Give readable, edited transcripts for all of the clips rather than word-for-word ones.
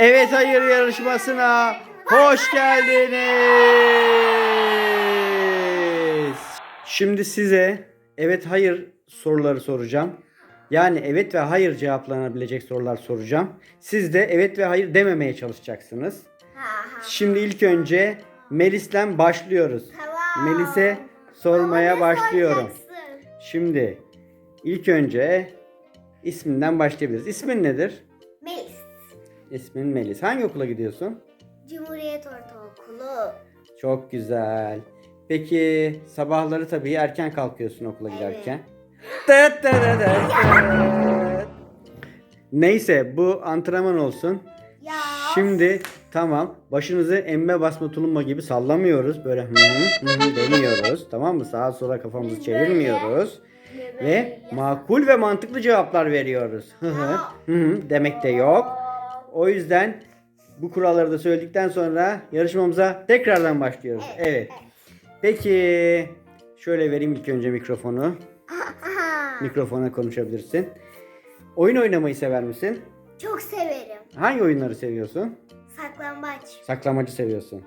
Evet hayır yarışmasına hoş geldiniz. Şimdi size evet hayır soruları soracağım. Yani evet ve hayır cevaplanabilecek sorular soracağım. Siz de evet ve hayır dememeye çalışacaksınız. Şimdi ilk önce Melis'ten başlıyoruz. Tamam. Melis'e sormaya Ama ne başlıyorum. soracaksın? Şimdi ilk önce isminden başlayabiliriz. İsmin nedir? Melis. İsmin Melis. Hangi okula gidiyorsun? Cumhuriyet Ortaokulu. Çok güzel. Peki sabahları tabii erken kalkıyorsun okula Evet. giderken. Tıt tıt tıt tıt. Neyse bu antrenman olsun. Ya. Şimdi tamam başınızı emme basma tulumba gibi sallamıyoruz. Böyle demiyoruz. Tamam mı? Sağa sola kafamızı Biz çevirmiyoruz. böyle Ve makul ve mantıklı cevaplar veriyoruz. Demek de yok. O yüzden bu kuralları da söyledikten sonra yarışmamıza tekrardan başlıyoruz. Evet. Peki şöyle vereyim ilk önce mikrofonu. Mikrofona konuşabilirsin. Oyun oynamayı sever misin? Çok severim. Hangi oyunları seviyorsun? Saklambaç. Saklamacı seviyorsun.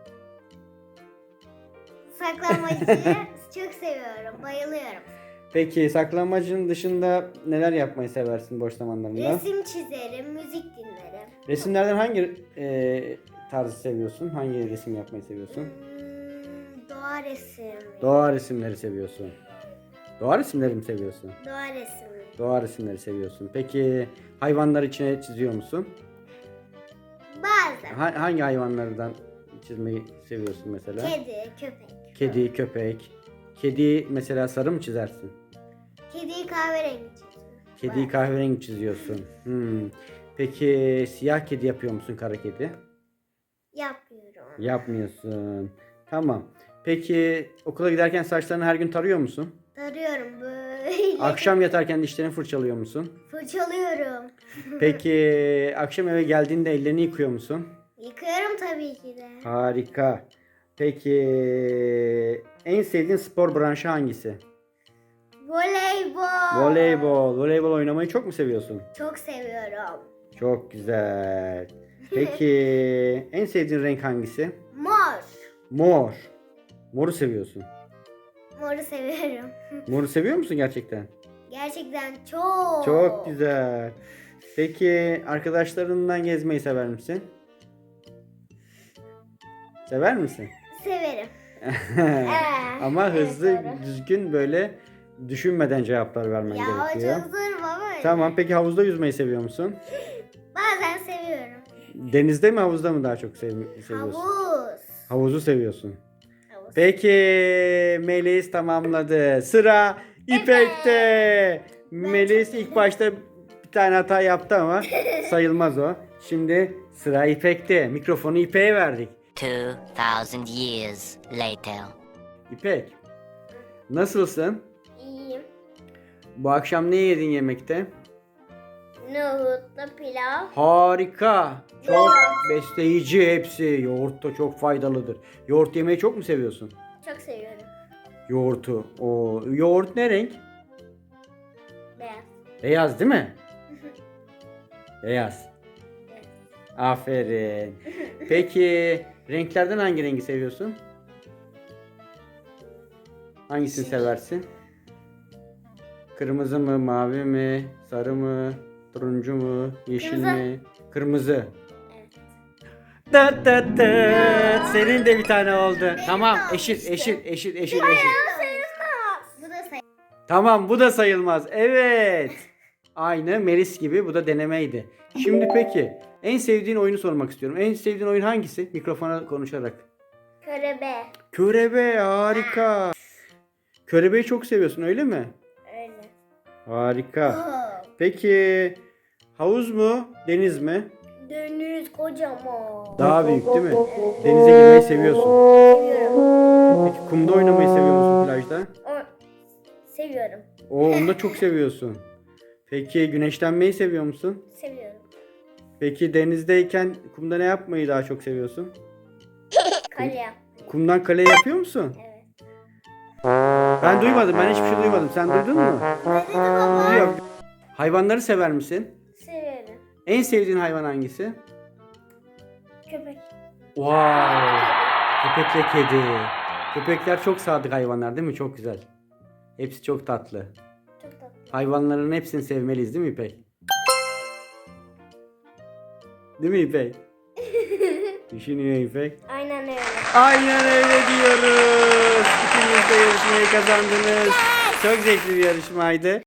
Saklambaçı çok seviyorum. Bayılıyorum. Peki saklamacının dışında neler yapmayı seversin boş zamanlarında? Resim çizerim, müzik dinlerim. Resimlerden hangi tarzı seviyorsun? Hangi resim yapmayı seviyorsun? Doğa resmi. Doğa resimleri seviyorsun. Doğa resimleri mi seviyorsun? Doğa resmi. Doğa resimleri seviyorsun. Peki hayvanlar içine çiziyor musun? Bazen. Hangi hayvanlardan çizmeyi seviyorsun mesela? Kedi, köpek. Kedi, köpek. Kedi mesela sarı mı çizersin? Kediyi kahverengi çiziyorum. Kediyi kahverengi çiziyorsun. Peki siyah kedi yapıyor musun, kara kedi? Yapmıyorum. Yapmıyorsun. Tamam. Peki okula giderken saçlarını her gün tarıyor musun? Tarıyorum böyle. Akşam yatarken dişlerini fırçalıyor musun? Fırçalıyorum. Peki akşam eve geldiğinde ellerini yıkıyor musun? Yıkıyorum tabii ki de. Harika. Peki en sevdiğin spor branşı hangisi? Voleybol. Voleybol. Voleybol oynamayı çok mu seviyorsun? Çok seviyorum. Çok güzel. Peki en sevdiğin renk hangisi? Mor. Mor. Moru seviyorsun. Moru seviyorum. Moru seviyor musun gerçekten? Gerçekten çok. Çok güzel. Peki arkadaşlarından gezmeyi sever misin? Sever misin? Severim. Ama evet, hızlı, doğru. düzgün böyle düşünmeden cevaplar vermen Ya o gerekiyor. çok zor baba. Tamam, peki havuzda yüzmeyi seviyor musun? Bazen seviyorum. Denizde mi havuzda mı daha çok seviyorsun? Havuz. Havuzu seviyorsun. Havuz. Peki Melis tamamladı. Sıra İpek'te. Melis ilk başta bir tane hata yaptı ama sayılmaz o. Şimdi sıra İpek'te. Mikrofonu İpek'e verdik. 2000 years later. İpek, nasılsın? İyiyim. Bu akşam ne yedin yemekte? Nohutlu pilav. Harika. Çok besleyici hepsi. Yoğurt da çok faydalıdır. Yoğurt yemeyi çok mu seviyorsun? Çok seviyorum. Yoğurtu. O yoğurt ne renk? Beyaz. Beyaz değil mi? Beyaz. Aferin. Peki renklerden hangi rengi seviyorsun? Hangisini seversin? Kırmızı mı, mavi mi, sarı mı, turuncu mu, yeşil Kırmızı. mi? Kırmızı. Evet. Tıt tıt tıt. Senin de bir tane oldu. Tamam, de eşit, olmuştu. eşit. Bu da sayı. Tamam, bu da sayılmaz. Evet. Aynı Melis gibi, bu da denemeydi. Şimdi peki, en sevdiğin oyunu sormak istiyorum. En sevdiğin oyun hangisi? Mikrofona konuşarak. Körebe. Körebe, harika. Körebeyi çok seviyorsun, öyle mi? Öyle. Harika. Oh. Peki, havuz mu, deniz mi? Deniz kocaman. Daha büyük değil mi? Denize girmeyi seviyorsun. Seviyorum. Peki kumda oynamayı seviyor musun plajda? Seviyorum. Onu da çok seviyorsun. Peki güneşlenmeyi seviyor musun? Seviyorum. Peki denizdeyken kumda ne yapmayı daha çok seviyorsun? Kale yapmayı. Kumdan kale yapıyor musun? Evet. Ben duymadım. Ben hiçbir şey duymadım. Sen duydun mu? Ne dedi baba? Yok. Hayvanları sever misin? Severim. En sevdiğin hayvan hangisi? Köpek. Wow. Köpekle kedi. Köpekler çok sadık hayvanlar değil mi? Çok güzel. Hepsi çok tatlı. Çok tatlı. Hayvanların hepsini sevmeliyiz değil mi İpek? Değil mi İpek? Düşünüyor İpek. Aynen öyle. Aynen öyle diyoruz. İkiniz de yarışmayı kazandınız. Çok zevkli bir yarışmaydı.